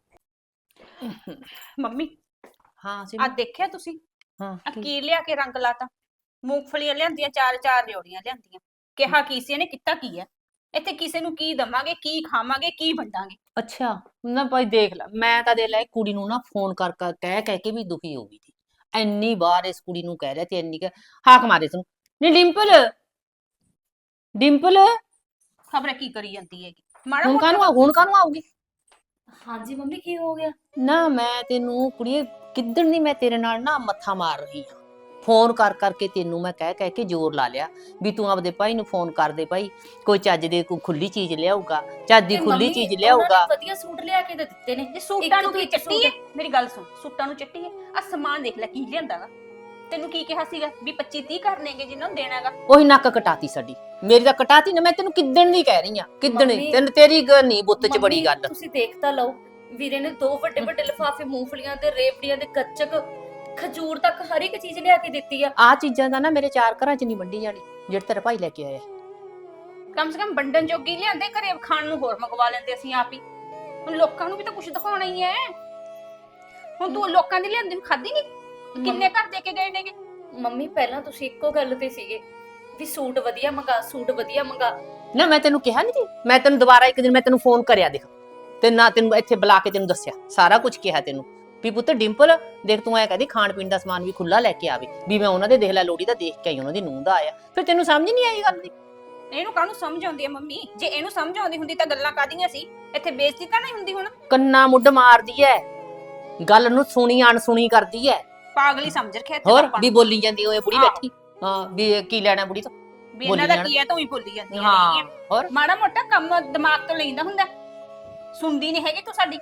ਮੰਮੀ ਹਾਂ ਆ ਸਿਮੀ, ਦੇਖਿਆ ਤੁਸੀਂ ਹਾਂ ਆ ਕੀ? ਕੀ ਲਿਆ ਕੇ ਰੰਗ ਲਾਤਾ? ਮੂੰਗਫਲੀਆਂ ਲਿਆਂਦੀਆਂ, ਚਾਰ ਚਾਰ ਰਿਓੜੀਆਂ ਲਿਆਂਦੀਆਂ। ਕਿਹਾ ਕੀ ਸੀ ਇਹਨੇ, ਕੀਤਾ ਕੀ ਹੈ? ਇੱਥੇ ਕਿਸੇ ਨੂੰ ਕੀ ਦਵਾਂਗੇ, ਕੀ ਖਾਵਾਂਗੇ, ਕੀ ਵੰਡਾਂਗੇ? ਅੱਛਾ ਨਾ ਭਾਈ ਦੇਖ ਲੈ, ਮੈਂ ਤਾਂ ਦੇ ਲੈ ਕੁੜੀ ਨੂੰ ਨਾ ਫੋਨ ਕਰ ਕਰ ਕਹਿ ਕਹਿ ਕੇ ਵੀ ਦੁਖੀ ਹੋ ਗਈ ਸੀ। ਇੰਨੀ ਵਾਰ ਇਸ ਕੁੜੀ ਨੂੰ ਕਹਿ ਰਿਹਾ ਤੇ ਇੰਨੀ ਕੁ ਹਾਕ ਮਾਰੇ ਤੈਨੂੰ, ਨੀ ਡਿੰਪਲ ਡਿੰਪਲ ਖਬਰ ਕੀ ਕਰੀ ਜਾਂਦੀ ਹੈਗੀ? ਮਾੜਾ ਹੁਣ ਮੋਟਾ ਕਾਹਨੂੰ ਆ- ਹੁਣ ਕਾਹਨੂੰ ਆਊਗੀ? ਹਾਂਜੀ ਮੰਮੀ ਕੀ ਹੋ ਗਿਆ? ਨਾ ਮੈਂ ਤੈਨੂੰ ਕੁੜੀਏ ਕਿੱਦਣ ਦੀ ਮੈਂ ਤੇਰੇ ਨਾਲ ਨਾ ਮੱਥਾ ਮਾਰ ਰਹੀ ਹਾਂ, ਫੋਨ ਕਰ ਕਰਕੇ ਤੈਨੂੰ ਮੈਂ ਕਹਿ ਕਹਿ ਕੇ ਜ਼ੋਰ ਲਾ ਲਿਆ ਵੀ ਤੂੰ ਆਪਦੇ ਭਾਈ ਨੂੰ ਫੋਨ ਕਰ ਦੇ, ਭਾਈ ਕੋਈ ਚੱਜ ਦੇ ਕੋਈ ਖੁੱਲੀ ਚੀਜ਼ ਲਿਆਊਗਾ, ਚੱਜ ਦੀ ਤੇ ਖੁੱਲੀ ਮੰਮੀ, ਚੀਜ਼ ਉਹਨਾਂ ਲਿਆਊਗਾ। ਨੇ ਵਧੀਆ ਸੂਟ ਲਿਆ ਕੇ ਤਾਂ ਦਿੱਤੇ ਨੇ। ਜੇ ਸੂਟਾਂ ਇੱਕ ਨੂੰ ਤੋਂ ਕੀ ਇੱਕ ਚੱਟੀ ਹੈ? ਸੂਟ। ਮੇਰੀ ਗੱਲ ਸੁਣ, ਸੂਟਾਂ ਨੂੰ ਚੱਟੀ ਹੈ? ਆ ਸਮਾਨ ਦੇਖ ਲੈ ਕੀ ਲਿਆਂਦਾਗਾ। ਤੈਨੂੰ ਕੀ ਕਿਹਾ ਸੀਗਾ ਵੀ ਪੱਚੀ ਤੀਹ ਕਰਨੇਗੇ ਜਿੰਨਾਂ ਨੂੰ ਦੇਣਾਗਾ? ਉਹੀ ਨੱਕ ਕਟਾਤੀ ਸਾਡੀ, ਮੇਰੀ ਤਾਂ ਕਟਾਤੀ ਨਾ, ਮੈਂ ਤੈਨੂੰ ਕਿੱਦਣ ਦੀ ਕਹਿ ਰਹੀ ਆ, ਕਿੱਦਣ ਮੰਮੀ- ਤੈਨੂੰ ਤੇਰੀ ਗੱਲ ਨਹੀਂ ਬੁੱਤ ਚ ਬੜੀ ਮੰਮੀ, ਗੱਲ। ਤੁਸੀਂ ਦੇਖ ਤਾਂ ਲਓ, ਵੀਰੇ ਨੇ ਦੋ ਵੱਡੇ ਵੱਡੇ ਲਿਫਾਫੇ ਮੂੰਗਫਲੀਆਂ ਤੇ ਰੇਵੜੀਆਂ ਦੇ ਗੱਚਕ, ਖਜੂਰ ਤੱਕ ਹਰ ਇੱਕ ਚੀਜ਼ ਲਿਆ ਕੇ ਦਿੱਤੀ ਆ। ਆ ਚੀਜ਼ਾਂ ਦਾ ਨਾ ਮੇਰੇ ਚਾਰ ਘਰਾਂ ਚ ਨਹੀਂ ਵੰਡੀ ਜਾਣੀ ਜਿਹੜੇ ਤੇਰਾ ਭਾਈ ਲੈ ਕੇ ਆਇਆ। ਕਮ ਸੇ ਕਮ ਵੰਡਣ ਜੋਗੀ ਲਿਆਂਦੇ, ਘਰੇ ਖਾਣ ਨੂੰ ਹੋਰ ਮੰਗਵਾ ਲੈਂਦੇ ਅਸੀਂ ਆਪ ਹੀ। ਹੁਣ ਲੋਕਾਂ ਨੂੰ ਵੀ ਤਾਂ ਕੁਝ ਦਿਖਾਉਣਾ ਹੀ ਹੈ। ਹੁਣ ਤੂੰ ਲੋਕਾਂ ਦੀ ਲਿਆਂਦੀ ਨੂੰ ਖਾਦੀ ਨਹੀਂ? ਕਿੰਨੇ ਘਰ ਦੇ ਕੇ ਗਏ ਨੇਗੇ? ਮੰਮੀ ਪਹਿਲਾਂ ਤੁਸੀਂ ਇੱਕੋ ਗੱਲ ਤੇ ਸੀਗੇ ਵੀ ਸੂਟ ਵਧੀਆ ਮੰਗਾ, ਸੂਟ ਵਧੀਆ ਮੰਗਾ। ਨਾ ਮੈਂ ਤੈਨੂੰ ਕਿਹਾ ਨਹੀਂ ਸੀ, ਮੈਂ ਤੈਨੂੰ ਦੁਬਾਰਾ ਇੱਕ ਦਿਨ ਮੈਂ ਤੈਨੂੰ ਫੋਨ ਕਰਿਆ ਦੇਖ, ਤੇ ਨਾ ਤੈਨੂੰ ਇੱਥੇ ਬੁਲਾ ਕੇ ਤੈਨੂੰ ਦੱਸਿਆ, ਸਾਰਾ ਕੁਝ ਕਿਹਾ ਤੈਨੂੰ ਵੀ ਪੁੱਤ ਡਿੰਪਲ ਦੇਖ ਤੂੰ ਐ ਕਹਦੀ ਖਾਣ ਪੀਣ ਦਾ ਸਮਾਨ ਵੀ ਖੁੱਲਾ ਲੈ ਕੇ ਆਵੇ, ਵੀ ਮੈਂ ਉਹਨਾਂ ਦੇ ਦੇਖ ਲੈ ਲੋੜੀ ਦਾ ਦੇਖ ਕੇ ਆਈ, ਉਹਨਾਂ ਦੀ ਨੂੰਹ ਦਾ ਆਇਆ, ਫਿਰ ਤੈਨੂੰ ਸਮਝ ਨਹੀਂ ਆਈ ਗੱਲ ਦੀ? ਇਹਨੂੰ ਕਾਹਨੂੰ ਸਮਝ ਆਉਂਦੀ ਹੈ ਮੰਮੀ? ਜੇ ਇਹਨੂੰ ਸਮਝ ਆਉਂਦੀ ਹੁੰਦੀ ਤਾਂ ਗੱਲਾਂ ਕਾਦੀਆਂ ਸੀ? ਇੱਥੇ ਬੇਇੱਜ਼ਤੀ ਤਾਂ ਨਹੀਂ ਹੁੰਦੀ? ਹੁਣ ਕੰਨਾ ਮੁੱਢ ਮਾਰਦੀ ਐ, ਗੱਲ ਨੂੰ ਸੁਣੀ ਅਣਸੁਣੀ ਕਰਦੀ ਐ। ਪਾਗਲ ਹੀ ਸਮਝ ਰੱਖਿਆ ਇੱਥੇ ਹੋਰ ਆਪਾਂ ਵੀ ਨੂੰ। ਬੋਲੀ ਜਾਂਦੀ ਓਏ ਬੁੜੀ ਆਹੋ। ਬੈਠੀ, ਹਾਂ ਵੀ ਕੀ ਲੈਣਾ ਬੁੜੀ ਤੋਂ, ਵੀ ਇਹਨਾਂ ਦਾ ਕੀ ਹੈ ਤੂੰ ਹੀ ਭੁੱਲੀ ਜਾਂਦੀ ਹਾਂ ਹੈ। ਹੋਰ ਮਾੜਾ ਮੋਟਾ ਕੰਮ ਦਿਮਾਗ ਤੋਂ ਲੈਂਦਾ ਹੁੰਦਾ, ਸੁਣਦੀ ਨਹੀਂ ਹੈਗੀ ਤੂੰ ਸਾਡੀ।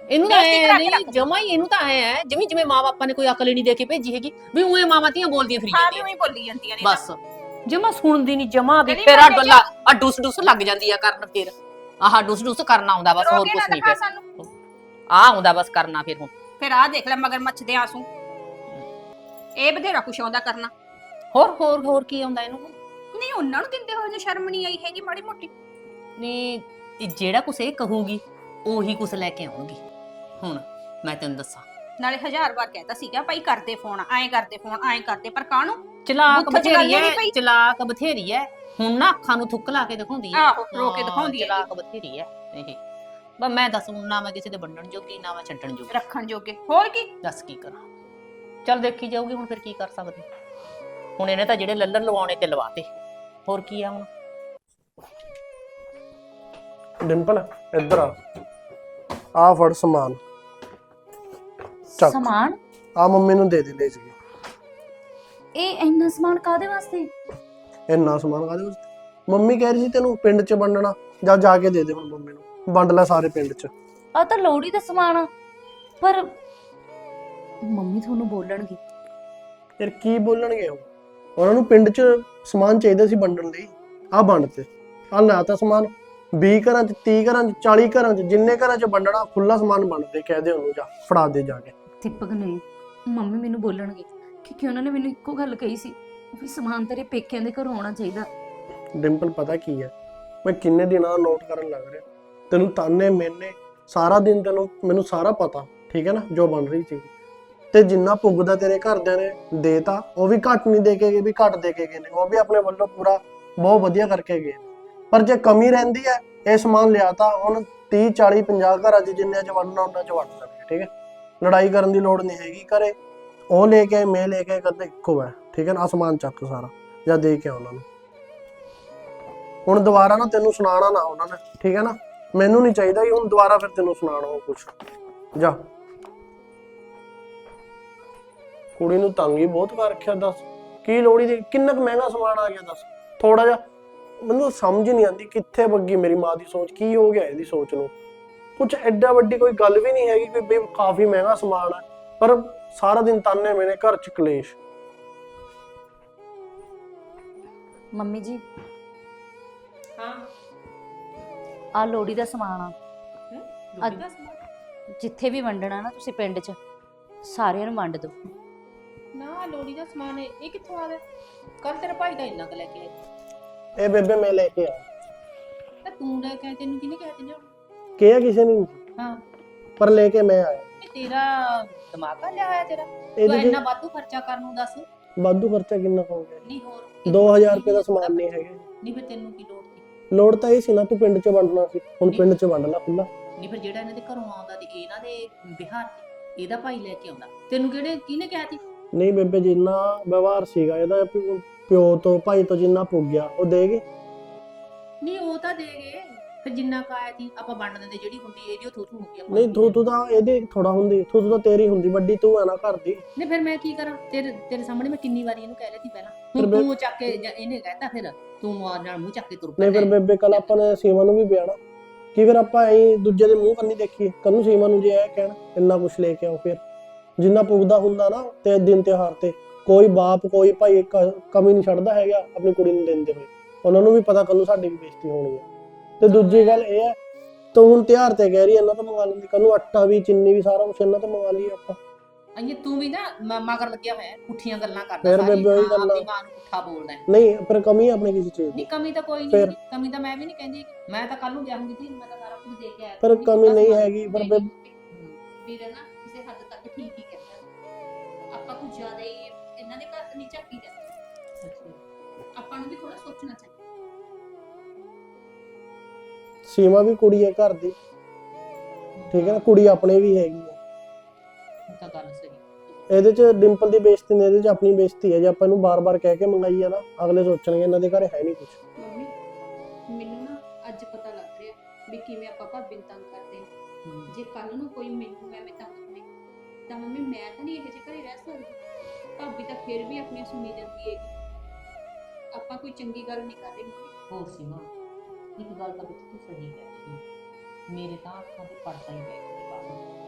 ਇਹਨੂੰ ਤਾਂ ਬੇਇੱਜ਼ਤੀ ਐ ਕਰਾ ਕੇ ਨਹੀਂ ਰੱਖ। ਜਮਾ ਹੀ ਇਹਨੂੰ ਤਾਂ ਐ ਹੈ ਜਿਵੇਂ ਜਿਵੇਂ ਮਾਂ ਬਾਪਾਂ ਨੇ ਕੋਈ ਅਕਲ ਹੀ ਨਹੀਂ ਦੇ ਕੇ ਭੇਜੀ ਹੈਗੀ ਵੀ ਉਵੇਂ ਮਾਵਾਂ ਧੀਆਂ ਬੋਲਦੀਆਂ ਫਿਰੀ ਹਾਂ ਵੀ ਜਾਂਦੀਆਂ ਉਹੀ ਬੋਲੀ ਜਾਂਦੀਆਂ ਨੇ ਤਾਂ। ਬਸ ਜਮਾ ਸੁਣਦੀ ਨਹੀਂ ਜਮਾ ਵੀ ਗਲੀ ਫਿਰ ਆ ਮੁਹੱਲੇ 'ਚ ਡੁੱਲਾ ਆ ਡੁੱਸ ਡੁੱਸ ਲੱਗ ਜਾਂਦੀ ਆ ਕਰਨ ਫਿਰ ਆਹ ਡੁੱਸ ਡੁੱਸ ਕਰਨਾ ਆਉਂਦਾ ਬਸ ਹੋਰ ਰੋਗੇ ਕੁਝ ਨਾ ਨਹੀਂ ਦਿਖਾ ਫਿਰ ਸਾਨੂੰ। ਆ ਆਉਂਦਾ ਬਸ ਕਰਨਾ ਫਿਰ ਹੁਣ ਫਿਰ ਆਹ ਦੇਖ ਲੈ ਮਗਰ ਮੱਛ ਦੇ ਆਂਸੂ। ਇਹ ਬਥੇਰਾ ਕੁਛ ਆਉਂਦਾ ਕਰਨਾ। ਹੋਰ ਹੋਰ ਹੋਰ ਕੀ ਆਉਂਦਾ ਇਹਨੂੰ ਨਹੀਂ ਉਹਨਾਂ ਨੂੰ ਦਿੰਦੇ ਹੋਏ ਨੂੰ ਸ਼ਰਮ ਨਹੀਂ ਆਈ ਹੈਗੀ ਮਾੜੀ ਮੋਟੀ। ਨਹੀਂ ਇਹ ਜਿਹੜਾ ਕੁਛ ਇਹ ਕਹੂਗੀ ਉਹੀ ਕੁਛ ਲੈ ਕੇ ਆਉਣਗੀ ਹੁਣ ਮੈਂ ਤੈਨੂੰ ਦੱਸਾਂ ਨਾਲੇ ਹਜ਼ਾਰ ਵਾਰ ਕਹਿਤਾ ਸੀਗਾ ਭਾਈ ਕਰਦੇ ਫੋਨ ਐਂ ਕਰਦੇ ਫੋਨ ਐਂ ਕਰਦੇ ਪਰ ਕਾਹਨੂੰ ਚਲਾਕ ਬੁੱਥ ਚ ਗੱਲ ਬਥੇਰੀ ਹੀ ਨੀ ਹੈ ਪਈ। ਚਲਾਕ ਬਥੇਰੀ ਹੈ ਹੁਣ ਨਾ ਅੱਖਾਂ ਨੂੰ ਥੁੱਕ ਲਾ ਕੇ ਦਿਖਾਉਂਦੀ ਹੈ ਆਹੋ, ਰੋ ਕੇ ਹਾਂ, ਦਿਖਾਉਂਦੀ ਹੈ ਚਲਾਕ ਬਥੇਰੀ ਹੈ ਇਹ ਬਸ ਮੈਂ ਦੱਸ ਹੁਣ ਨਾ ਮੈਂ ਕਿਸੇ ਦੇ ਵੰਡਣ ਜੋਗੀ ਨਾ ਮੈਂ ਛੱਡਣ ਜੋਗੀ ਰੱਖਣ ਜੋਗੇ ਹੋਰ ਕੀ। ਦੱਸ ਕੀ ਕਰਾਂ ਚੱਲ ਦੇਖੀ ਜਾਊਗੀ ਹੁਣ ਫਿਰ ਕੀ ਕਰ ਸਕਦੇ ਹੁਣ ਇਹਨੇ ਤਾਂ ਜਿਹੜੇ ਲੱਲਰ ਲਵਾਉਣੇ ਤੇ ਲਵਾਤੇ ਹੋਰ ਕੀ ਆ ਹੁਣ ਡਿੰਪਲ ਇੱਧਰ ਆ ਆ ਫੜ ਸਮਾਨ ਚੱਕ ਸਮਾਨ? ਆ ਮੰਮੀ ਨੂੰ ਦੇ ਦੇ ਲੈ ਜੀ ਇਹ ਇੰਨਾ ਸਮਾਨ ਕਾਦੇ ਵਾਸਤੇ? ਇੰਨਾ ਸਮਾਨ ਕਾਹਦੇ ਵਾਸਤੇ ਮੰਮੀ ਕਹਿ ਰਹੀ ਸੀ ਤੈਨੂੰ ਪਿੰਡ 'ਚ ਵੰਡਣਾ ਜਾ ਜਾ ਕੇ ਦੇ ਦੇ ਹੁਣ ਮੰਮੀ ਨੂੰ ਵੰਡ ਲੈ ਸਾਰੇ ਪਿੰਡ 'ਚ ਆ ਤਾਂ ਲੋਹੜੀ ਦਾ ਸਮਾਨ ਆ ਪਰ ਮੰਮੀ ਤੁਹਾਨੂੰ ਬੋਲਣਗੇ। ਯਾਰ ਕੀ ਬੋਲਣਗੇ ਉਹ ਉਹਨਾਂ ਨੂੰ ਪਿੰਡ 'ਚ ਸਮਾਨ ਚਾਹੀਦਾ ਸੀ ਵੰਡਣ ਲਈ ਆ ਵੰਡ ਤੇ ਆ ਲੈ ਤਾਂ ਸਮਾਨ ਵੀਹ ਘਰਾਂ 'ਚ ਤੀਹ ਘਰਾਂ 'ਚ ਚਾਲੀ ਘਰਾਂ 'ਚ ਜਿੰਨੇ ਘਰਾਂ 'ਚ ਵੰਡਣਾ ਖੁੱਲਾ ਸਮਾਨ ਵੰਡ ਦੇ ਕਹਿ ਦੇ ਉਹਨੂੰ ਜਾ ਫੜਾ ਦੇ ਜਾ ਕੇ ਦੀਪਕ ਨੇ ਮੰਮੀ ਮੈਨੂੰ ਬੋਲਣਗੇ ਕਿਉਂਕਿ ਉਹਨਾਂ ਨੇ ਮੈਨੂੰ ਇੱਕੋ ਗੱਲ ਕਹੀ ਸੀ ਵੀ ਸਮਾਨ ਤੇਰੇ ਪੇਕਿਆਂ ਦੇ ਘਰੋਂ ਆਉਣਾ ਚਾਹੀਦਾ। ਡਿੰਪਲ ਪਤਾ ਕੀ ਹੈ ਮੈਂ ਕਿੰਨੇ ਦਿਨਾਂ ਦਾ ਨੋਟ ਕਰਨ ਲੱਗ ਰਿਹਾ ਤੈਨੂੰ ਤਾਨੇ ਮੈਨੇ ਸਾਰਾ ਦਿਨ ਤੈਨੂੰ ਮੈਨੂੰ ਸਾਰਾ ਪਤਾ ਠੀਕ ਹੈ ਨਾ ਜੋ ਬਣ ਰਹੀ ਸੀ ਤੇ ਜਿੰਨਾ ਪੁੱਗਦਾ ਤੇਰੇ ਘਰਦਿਆਂ ਨੇ ਦੇਤਾ ਉਹ ਵੀ ਘੱਟ ਨਹੀਂ ਦੇ ਕੇ ਗਏ ਵੀ ਘੱਟ ਦੇ ਕੇ ਗਏ ਨੇ ਉਹ ਵੀ ਆਪਣੇ ਵੱਲੋਂ ਪੂਰਾ ਬਹੁਤ ਵਧੀਆ ਕਰਕੇ ਗਏ ਪਰ ਜੇ ਕਮੀ ਰਹਿੰਦੀ ਹੈ ਇਹ ਸਮਾਨ ਲਿਆਤਾ ਹੁਣ ਤੀਹ ਚਾਲੀ ਪੰਜਾਹ ਘਰਾਂ 'ਚ ਜਿੰਨੇ 'ਚ ਵੰਡਣਾ ਉਹਨਾਂ 'ਚ ਵੰਡ ਸਕਦੇ ਠੀਕ ਹੈ ਲੜਾਈ ਕਰਨ ਦੀ ਲੋੜ ਨਹੀਂ ਹੈਗੀ ਘਰੇ ਉਹ ਲੈ ਕੇ ਮੈਂ ਲੈ ਕੇ ਕਰਦੇ ਇੱਕੋ ਹੈ ਠੀਕ ਹੈ ਨਾ ਸਮਾਨ ਚੱਕ ਸਾਰਾ ਜਾਂ ਦੇ ਕੇ ਉਹਨਾਂ ਨੂੰ ਹੁਣ ਦੁਬਾਰਾ ਨਾ ਤੈਨੂੰ ਸੁਣਾਣਾ ਨਾ ਉਹਨਾਂ ਨੇ ਠੀਕ ਹੈ ਨਾ ਮੈਨੂੰ ਨਹੀਂ ਚਾਹੀਦਾ ਕਿ ਹੁਣ ਦੁਬਾਰਾ ਫਿਰ ਤੈਨੂੰ ਸੁਣਾਣਾ ਉਹ ਕੁਛ ਜਾ ਕੁੜੀ ਨੂੰ ਤੰਗ ਹੀ ਬਹੁਤ ਕਰ ਰੱਖਿਆ ਦੱਸ ਕੀ ਲੋੜੀ ਦੀ ਕਿੰਨਾ ਕੁ ਮਹਿੰਗਾ ਸਮਾਨ ਆ ਗਿਆ ਦੱਸ ਥੋੜਾ ਜਿਹਾ ਮੈਨੂੰ ਸਮਝ ਨਹੀਂ ਆਉਂਦੀ ਕਿੱਥੇ ਬੱਗੀ ਮੇਰੀ ਮਾਂ ਦੀ ਸੋਚ ਕੀ ਹੋ ਗਿਆ ਇਹਦੀ ਸੋਚ ਨੂੰ ਕੁਛ ਐਡਾ ਵੱਡੀ ਕੋਈ ਗੱਲ ਵੀ ਨਹੀਂ ਹੈਗੀ ਕਿ ਬਈ ਕਾਫੀ ਮਹਿੰਗਾ ਸਮਾਨ ਹੈ ਪਰ ਸਾਰਾ ਦਿਨ ਤਾਨੇ ਮੈਨੇ ਘਰ ਚ ਕਲੇਸ਼। ਮੰਮੀ ਜੀ ਹਾਂ ਆ ਲੋਹੜੀ ਦਾ ਸਮਾਨ ਆ ਲੋੜੀ ਦਾ ਸਮਾਨ ਜਿੱਥੇ ਵੀ ਵੰਡਣਾ ਨਾ ਤੁਸੀਂ ਪਿੰਡ 'ਚ ਸਾਰਿਆਂ ਨੂੰ ਵੰਡ ਦਿਓ। ਨਾ ਲੋੜੀ ਦਾ ਸਮਾਨ ਹੈ ਇਹ ਕਿੱਥੋਂ ਆ ਗਿਆ ਕੱਲ ਤੇਰਾ ਭਾਈ ਦਾ ਇੰਨਾ ਕੁ ਲੈ ਕੇ ਆਇਆ ਇਹ ਬੇਬੇ ਮੈਂ ਲੈ ਕੇ ਆ ਤਾਂ ਤੂੰ ਲੈ ਕੇ ਆਇਆ, ਤੈਨੂੰ ਕਿਹਨੇ ਕਹਿ ਦਿੰਦੇ ਕਿਹਾ ਕਿਸੇ ਨੇ ਨਹੀਂ ਹਾਂ ਪਰ ਲੈ ਕੇ ਮੈਂ ਆਇਆ ਇਹ ਤੇਰਾ ਦਿਮਾਗ ਆ ਲਿਆ ਹੋਇਆ ਤੇਰਾ ਤੂੰ ਇਹਦੇ ਇੰਨਾ ਚ ਵਾਧੂ ਖਰਚਾ ਕਰਨ ਨੂੰ ਦੱਸ ਵਾਧੂ ਖਰਚਾ ਕਿੰਨਾ ਹੋ ਗਿਆ ਨਹੀਂ ਹੋਰ ਦੋ ਹਜ਼ਾਰ ਰੁਪਏ ਦਾ ਸਮਾਨ ਨਹੀਂ ਹੈਗਾ ਨਹੀਂ ਫਿਰ ਤੈਨੂੰ ਕੀ ਲੋੜ ਸੀ ਲੋੜ ਤਾਂ ਇਹ ਸੀ ਨਾ ਤੂੰ ਪਿੰਡ ਚ ਵੰਡਣਾ ਸੀ ਹੁਣ ਪਿੰਡ ਚ ਵੰਡ ਲੈ ਖੁੱਲਾ ਨਹੀਂ ਫਿਰ ਜਿਹੜਾ ਇਹਨਾਂ ਦੇ ਘਰੋਂ ਆਉਂਦਾ ਤੇ ਇਹਨਾਂ ਦੇ ਬਿਹਾਰ ਚ ਇਹਦਾ ਭਾਈ ਲੈ ਕੇ ਆਉਂਦਾ ਤੈਨੂੰ ਕਿਹੜੇ ਕਿਹਨੇ ਕਿਹਾ ਸੀ ਨਹੀਂ ਬੇਬੇ ਜਿੰਨਾ ਵਿਵਹਾਰ ਸੀਗਾ ਇਹਦਾ ਪਿ- ਪਿਓ ਤੋਂ ਭਾਈ ਤੋਂ ਜਿੰਨਾ ਪੁੱਗ ਗਿਆ ਉਹ ਦੇਗੇ ਨਹੀਂ ਉਹ ਤਾਂ ਦੇ ਗਏ ਫਿਰ ਜਿੰਨਾ ਕਾਇਆ ਸੀ ਆਪਾਂ ਵੰਡ ਦਿੰਦੇ ਜਿਹੜੀ ਹੁੰਦੀ ਇਹਦੀ ਉਹ ਥੂ ਥੂ ਹੁੰਦੀ ਆਪਾਂ ਨਹੀਂ ਤੂੰ ਤੂੰ ਤਾਂ ਇਹਦੇ ਥੋੜਾ ਹੁੰਦੀ ਤੂੰ ਤੂੰ ਤਾਂ ਤੇਰੀ ਹੁੰਦੀ ਵੱਡੀ ਤੂੰ ਹੈ ਨਾ ਘਰ ਦੀ ਨਹੀਂ ਫਿਰ ਮੈਂ ਕੀ ਕਰਾਂ ਤੇਰੇ ਤੇਰੇ ਸਾਹਮਣੇ ਮੈਂ ਕਿੰਨੀ ਵਾਰੀ ਇਹਨੂੰ ਕਹਿ ਲਈ ਸੀ ਪਹਿਲਾਂ ਫਿਰ ਹੁਣ ਬੇ- ਤੂੰ ਚੱਕ ਕੇ ਜਾਂ ਇਹਨੇ ਕਹਿਤਾ ਫਿਰ ਤੂੰ ਮਾਰ ਨਾਲ ਮੂੰਹ ਚੱਕ ਕੇ ਤੁਰ ਨਹੀਂ ਫਿਰ ਪੈਂਦਾ। ਬੇਬੇ ਕੱਲ ਆਪਾਂ ਨੇ ਸੀਮਾ ਨੂੰ ਵੀ ਵਿਆਹਣਾ ਕੀ ਫਿਰ ਆਪਾਂ ਐਂ ਦੂਜੇ ਦੇ ਮੂੰਹ ਕੰਨੀ ਦੇਖੀਏ ਕੱਲ ਨੂੰ ਸੀਮਾ ਨੂੰ ਜੇ ਇਹ ਕਹਿਣ ਇੰਨਾ ਕੁਛ ਲੈ ਕੇ ਆਓ ਫਿਰ ਜਿੰਨਾ ਪੁੱਗਦਾ ਹੁੰਦਾ ਨਾ ਤੇ ਦਿਨ ਤਿਉਹਾਰ ਤੇ ਕੋਈ ਬਾਪ ਕੋਈ ਭਾਈ ਕ- ਕਮੀ ਨਹੀਂ ਛੱਡਦਾ ਹੈਗਾ ਆਪਣੀ ਕੁੜੀ ਨੂੰ ਦਿੰਦੇ ਹੋਏ ਉਹਨਾਂ ਨੂੰ ਵੀ ਪਤਾ ਕੱਲ ਨੂੰ ਸਾਡੀ ਵੀ ਬੇਇੱਜ਼ਤੀ ਹੋਣੀ ਹੈ ਤੇ ਦੂਜੀ ਗੱਲ ਇਹ ਹੈ ਤੂੰ ਹੁਣ ਤਿਉਹਾਰ ਤੇ ਕਹਿ ਰਹੀ ਇਹਨਾਂ ਤੋਂ ਮੰਗਾ ਲੈਂਦੀ ਕੱਲ ਨੂੰ ਆਟਾ ਵੀ ਚੀਨੀ ਵੀ ਸਾਰਾ ਕੁਛ ਇਹਨਾਂ ਤੋਂ ਮੰਗਾ ਲਈਏ ਆਪਾਂ ਅਈਏ ਤੂੰ ਵੀ ਨਾ ਮ- ਮਗਰ ਲੱਗਿਆ ਹੋਇਆ ਹੈ, ਪੁੱਠੀਆਂ ਗੱਲਾਂ ਕਰਦਾ ਫਿਰ ਸਾਰੀ, ਬੇਬੇ ਉਹੀ ਹਾਂ, ਗੱਲਾਂ। ਆਪਣੀ ਮਾਂ ਨੂੰ ਪੁੱਠਾ ਬੋਲਦਾ ਹੈ। ਨਹੀਂ ਪਰ ਕਮੀ ਆਪਣੇ ਕਿਸੇ ਚੀਜ਼ ਦੀ ਨਹੀਂ ਕਮੀ ਤਾਂ ਕੋਈ ਫਿਰ? ਨਹੀਂ ਕਮੀ ਤਾਂ ਮੈਂ ਵੀ ਨਹੀਂ ਕਹਿੰਦੀ ਮੈਂ ਤਾਂ ਕੱਲ ਨੂੰ ਵਿਆਹੂੰਗੀ ਤੇ ਮੈਂ ਤਾਂ ਸਾਰਾ ਕੁਝ ਦੇ ਕੇ ਆਇਆ ਪਰ ਕਰੂੰਗੀ, ਕਮੀ ਬਸ ਨਹੀਂ ਮੈਂ- ਹੈਗੀ, ਪਰ ਨਹੀਂ, ਬੇ- ਨਹੀਂ, ਵੀਰੇ ਨਾ ਕਿਸੇ ਹੱਦ ਤੱਕ ਠੀਕ ਹੀ ਕਹਿੰਦਾ ਆਪਾਂ ਕੁਝ ਜ਼ਿਆਦਾ ਹੀ ਇਹਨਾਂ ਦੇ ਘਰ ਨਹੀਂ ਝਾਕੀ ਜਾਂਦੇ ਆਪਾਂ ਨੂੰ ਵੀ ਥੋੜਾ ਸੋਚਣਾ ਚਾਹੀਦਾ ਸੀਮਾ ਵੀ ਕੁੜੀ ਹੈ ਘਰ ਦੀ ਠੀਕ ਹੈ ਨਾ ਕੁੜੀ ਆਪਣੇ ਵੀ ਹੈਗੀ ਹੈ ਉਹ ਤਾਂ ਗੱਲ ਸਹੀ ਇਹਦੇ ਚ ਡਿੰਪਲ ਦੀ ਬੇਇੱਜ਼ਤੀ ਨੇ ਇਹਦੇ ਚ ਆਪਣੀ ਬੇਇੱਜ਼ਤੀ ਹੈ ਜੇ ਆਪਾਂ ਇਹਨੂੰ ਬਾਰ-ਬਾਰ ਕਹਿ ਕੇ ਮੰਗਾਈ ਆ ਨਾ ਅਗਲੇ ਸੋਚਣਗੇ ਇਹਨਾਂ ਦੇ ਘਰੇ ਹੈ ਨਹੀਂ ਕੁਝ ਮੰਮੀ ਮੈਨੂੰ ਨਾ ਅੱਜ ਪਤਾ ਲੱਗ ਰਿਹਾ ਵੀ ਕਿਵੇਂ ਆਪਾਂ ਭਾਬੀ ਨੂੰ ਤੰਗ ਕਰਦੇ ਹਾਂ। ਜੇ ਕੱਲ ਨੂੰ ਕੋਈ ਮੈਨੂੰ ਐਵੇਂ ਤੰਗ ਕਰੇ ਤਾਂ ਮੰਮੀ ਮੈਂ ਤਾਂ ਨਹੀਂ ਇਹੋ ਜਿਹੇ ਘਰੇ ਰਹਿ ਸਕਦੀ। ਭਾਬੀ ਤਾਂ ਫਿਰ ਵੀ ਆਪਣੀਆਂ ਸੁਣੀ ਜਾਂਦੀ ਹੈਗੀ। ਆਪਾਂ ਕੋਈ ਚੰਗੀ ਗੱਲ ਨਹੀਂ ਕਰ ਰਹੇ ਮੰਮੀ। ਹੋਰ ਸੀਮਾ ਇੱਕ ਗੱਲ ਤਾਂ ਬਿਲਕੁਲ ਸਹੀ ਹੈ ਮੇਰੇ ਤਾਂ ਅੱਖਾਂ ਤੇ ਪੜਦਾ ਹੀ ਪੈ ਗਿਆ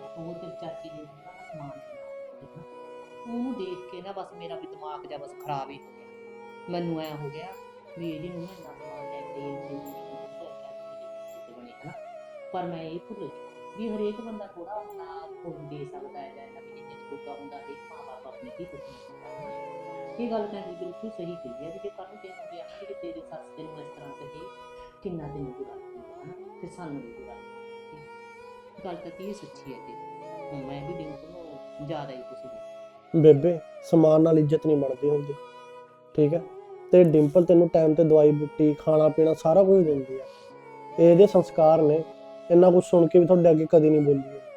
ਉਹ ਤੇ ਚਾਚੀ ਨੇ ਦਿੱਤਾ ਨਾ ਸਮਾਨ ਠੀਕ ਆ। ਉਹਨੂੰ ਦੇਖ ਕੇ ਨਾ ਬਸ ਮੇਰਾ ਵੀ ਦਿਮਾਗ ਜਿਹਾ ਬਸ ਖਰਾਬ ਹੀ ਹੋ ਗਿਆ। ਮੈਨੂੰ ਐ ਹੋ ਗਿਆ ਵੀ ਇਹਦੀ ਨੂੰ ਇੰਨਾ ਸਮਾਨ ਲੈ ਕੇ ਬਣੇ ਹਨਾ। ਪਰ ਮੈਂ ਇਹ ਭੁੱਲ ਗਈ ਵੀ ਹਰੇਕ ਬੰਦਾ ਥੋੜਾ ਆਪਣਾ ਖੁਦ ਦੇ ਸਕਦਾ ਹੈ ਜਾਂ ਇਹਨਾਂ ਵੀ ਜਿੰਨੇ ਜੋਗਾ ਹੁੰਦਾ ਹਰੇਕ ਮਾਂ ਬਾਪ ਆਪਣੇ ਕੀ ਕੁਝ ਨਹੀਂ ਹੁੰਦਾ ਹਨਾ। ਇਹ ਗੱਲ ਤਾਂ ਬਿਲਕੁਲ ਸਹੀ ਕਹੀ ਹੈ ਵੀ ਜੇ ਕੱਲ ਨੂੰ ਤੈਨੂੰ ਵੀ ਆਖੀ ਕਿ ਤੇਰੀ ਸੱਸ ਤੈਨੂੰ ਇਸ ਤਰ੍ਹਾਂ ਕਹੇ ਕਿੰਨਾ ਤੈਨੂੰ ਬੁਰਾ ਲੱਗੂਗਾ ਹਨਾ। ਫਿਰ ਸਾਨੂੰ ਵੀ ਬੁਰਾ ਲੱਗੂਗਾ। ਗੱਲ ਤਾਂ ਕੀ ਸੱਚੀ ਹੈ ਜੀ। ਹੁਣ ਮੈਂ ਵੀ ਦਿਨ ਤੋਂ ਜ਼ਿਆਦਾ ਹੀ ਕੁਛ ਬੇਬੇ ਸਮਾਨ ਨਾਲ ਇੱਜ਼ਤ ਨਹੀਂ ਬਣਦੀ ਹੁੰਦੀ, ਠੀਕ ਹੈ। ਤੇ ਡਿੰਪਲ ਤੈਨੂੰ ਟਾਈਮ ਤੇ ਦਵਾਈ ਬੂਟੀ ਖਾਣਾ ਪੀਣਾ ਸਾਰਾ ਕੁਝ ਦਿੰਦੀ ਆ। ਇਹ ਇਹਦੇ ਸੰਸਕਾਰ ਨੇ। ਇੰਨਾ ਕੁਝ ਸੁਣ ਕੇ ਵੀ ਤੁਹਾਡੇ ਅੱਗੇ ਕਦੀ ਨਹੀਂ ਬੋਲੀ ਹੈ।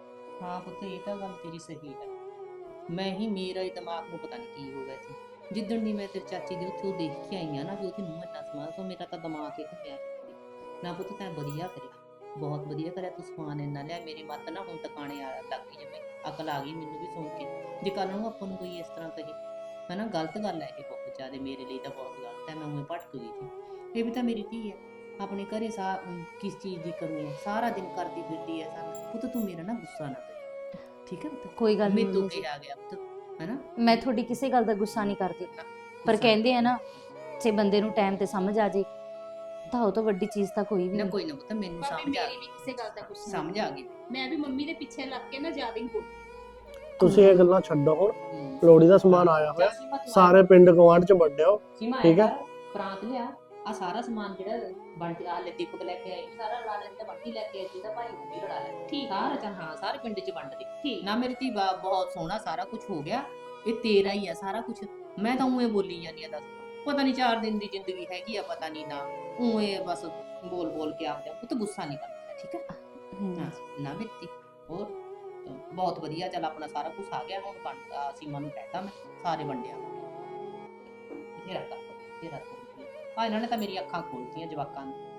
ਹਾਂ ਪੁੱਤ ਇਹ ਤਾਂ ਗੱਲ ਤੇਰੀ ਸਹੀ ਹੈ। ਮੈਂ ਹੀ ਮੇਰਾ ਹੀ ਦਿਮਾਗ ਨੂੰ ਪਤਾ ਨਹੀਂ ਕੀ ਹੋ ਗਿਆ ਸੀ ਜਿੱਦਣ ਦੀ ਮੈਂ ਤੇਰੀ ਚਾਚੀ ਦੇ ਉੱਥੇ ਉਹ ਦੇਖ ਕੇ ਆਈ ਆ ਨਾ ਵੀ ਉਹਦੀ ਮੂੰਹ ਇੰਨਾ ਸਮਾਨ ਤੋਂ ਮੇਰਾ ਤਾਂ ਦਿਮਾਗ ਹੀ ਘੁੰਮਿਆ ਨਾ। ਪੁੱਤ ਤੈਂ ਵਧੀਆ ਕਰਿਆ, ਬਹੁਤ ਵਧੀਆ ਕਰਿਆ ਤੂੰ ਸਮਾਨ ਇੰਨਾ ਲਿਆ। ਮੇਰੀ ਮੱਤ ਨਾ ਹੁਣ ਟਿਕਾਣੇ ਆ ਲੱਗ ਗਈ, ਜਿਵੇਂ ਅਕਲ ਆ ਗਈ ਮੈਨੂੰ ਵੀ ਸੁਣ ਕੇ। ਜੇ ਕੱਲ ਨੂੰ ਆਪਾਂ ਨੂੰ ਕੋਈ ਇਸ ਤਰ੍ਹਾਂ ਕਹੇ ਹਨਾ, ਗਲਤ ਗੱਲ ਹੈ ਇਹ ਬਹੁਤ ਜ਼ਿਆਦਾ, ਮੇਰੇ ਲਈ ਤਾਂ ਬਹੁਤ ਗਲਤ ਹੈ। ਮੈਂ ਉਵੇਂ ਭਟਕ ਗਈ ਸੀ। ਇਹ ਵੀ ਤਾਂ ਮੇਰੀ ਧੀ ਹੈ, ਆਪਣੇ ਘਰੇ ਸਾ ਕਿਸ ਚੀਜ਼ ਦੀ ਕਮੀ ਹੈ, ਸਾਰਾ ਦਿਨ ਕਰਦੀ ਫਿਰਦੀ ਹੈ ਸਾਨੂੰ। ਪੁੱਤ ਤੂੰ ਮੇਰਾ ਨਾ ਗੁੱਸਾ ਨਾ ਕਰੀ, ਠੀਕ ਹੈ ਪੁੱਤ। ਕੋਈ ਗੱਲ ਨਹੀਂ ਮੇਰੇ ਤੋਂ ਮੰਮੀ ਜੀ, ਕਿਹਾ ਗਿਆ ਪੁੱਤ ਹਨਾ। ਮੈਂ ਤੁਹਾਡੀ ਕਿਸੇ ਗੱਲ ਦਾ ਗੁੱਸਾ ਨਹੀਂ ਕਰਦੀ, ਪਰ ਕਹਿੰਦੇ ਆ ਨਾ ਜੇ ਬੰਦੇ ਨੂੰ ਟਾਈਮ ਤੇ ਸਮਝ ਆ ਜੇ ਤਾਂ ਉਹ ਤੋਂ ਵੱਡੀ ਚੀਜ਼ ਤਾਂ ਕੋਈ ਵੀ ਨਾ ਨਹੀਂ। ਕੋਈ ਨਾ ਪੁੱਤ ਮੈਨੂੰ ਭਾਵੇਂ ਸਮਝ ਆ ਮੇਰੀ ਵੀ ਗਈ, ਕਿਸੇ ਗੱਲ ਦਾ ਗੁੱਸਾ ਸਮਝ ਆ ਗਈ। ਮੈਂ ਵੀ ਮੰਮੀ ਦੇ ਪਿੱਛੇ ਲੱਗ ਕੇ ਨਾ ਜ਼ਿਆਦਾ ਹੀ ਬੋਲੀ। ਤੁਸੀਂ ਇਹ ਗੱਲਾਂ ਛੱਡੋ ਹੁਣ। ਹੂੰ। ਲੋਹੜੀ ਦਾ ਸਮਾਨ ਆਇਆ ਹੋਇਆ, ਚੱਲ ਸੀਮਾ ਤੂੰ ਸਾਰੇ ਪਿੰਡ ਗਵਾਂਢ ਚ ਵੰਡਿਓ। ਸੀਮਾ ਠੀਕ ਠੀਕ ਹੈ। ਹੈ, ਪ੍ਰਾਂਤ ਲਿਆ ਆ ਸਾਰਾ ਸਮਾਨ ਜਿਹੜਾ ਬੰਟੀ ਆ ਲੈ ਦੀਪਕ ਲੈ ਕੇ ਆਈ ਸਾਰਾ ਰਲਾ ਲੈ ਤੇ ਬੰਟੀ ਲੈ ਕੇ ਆਈ ਜਿਹਦਾ ਭਾਈ ਉਹ ਵੀ ਰਲਾ ਲੈ। ਠੀਕ ਸਾਰਾ ਚੱਲ ਹਾਂ ਸਾਰੇ ਪਿੰਡ ਚ ਵੰਡ ਦੇ ਠੀਕ ਨਾ। ਮੇਰੀ ਧੀ ਬਾ- ਬਹੁਤ ਸੋਹਣਾ ਸਾਰਾ ਕੁਝ ਹੋ ਗਿਆ, ਇਹ ਤੇਰਾ ਹੀ ਆ ਸਾਰਾ ਕੁਝ। ਮੈਂ ਤਾਂ ਉਵੇਂ ਬੋਲੀ ਜਾਂਦੀ ਆ, ਦੱਸ ਪਤਾ ਨਹੀਂ ਚਾਰ ਦਿਨ ਦੀ ਜ਼ਿੰਦਗੀ ਹੈਗੀ ਆ, ਪਤਾ ਨਹੀਂ ਨਾ ਉਵੇਂ ਬਸ ਬੋਲ ਬੋਲ ਕੇ ਆਪ ਜਾ। ਉਹ ਤਾਂ ਗੁੱਸਾ ਨਹੀਂ ਕਰਦਾ, ਠੀਕ ਹੈ। ਹਮ, ਹਾਂ ਨਾ ਮੇਰੀ ਧੀ ਹੋਰ ਬਹੁਤ ਵਧੀਆ। ਚੱਲ ਆਪਣਾ ਸਾਰਾ ਕੁਝ ਆ ਗਿਆ ਹੁਣ ਵੰਡ ਆ, ਸੀਮਾ ਨੂੰ ਕਹਿਤਾ ਮੈਂ ਸਾਰੇ ਵੰਡਿਆ ਬਥੇਰਾ ਕਰ ਬਥੇਰਾ। ਆ ਇਹਨਾਂ ਨੇ ਤਾਂ ਮੇਰੀ ਅੱਖਾਂ ਖੋਲਤੀਆਂ ਜਵਾਕਾਂ ਨੇ।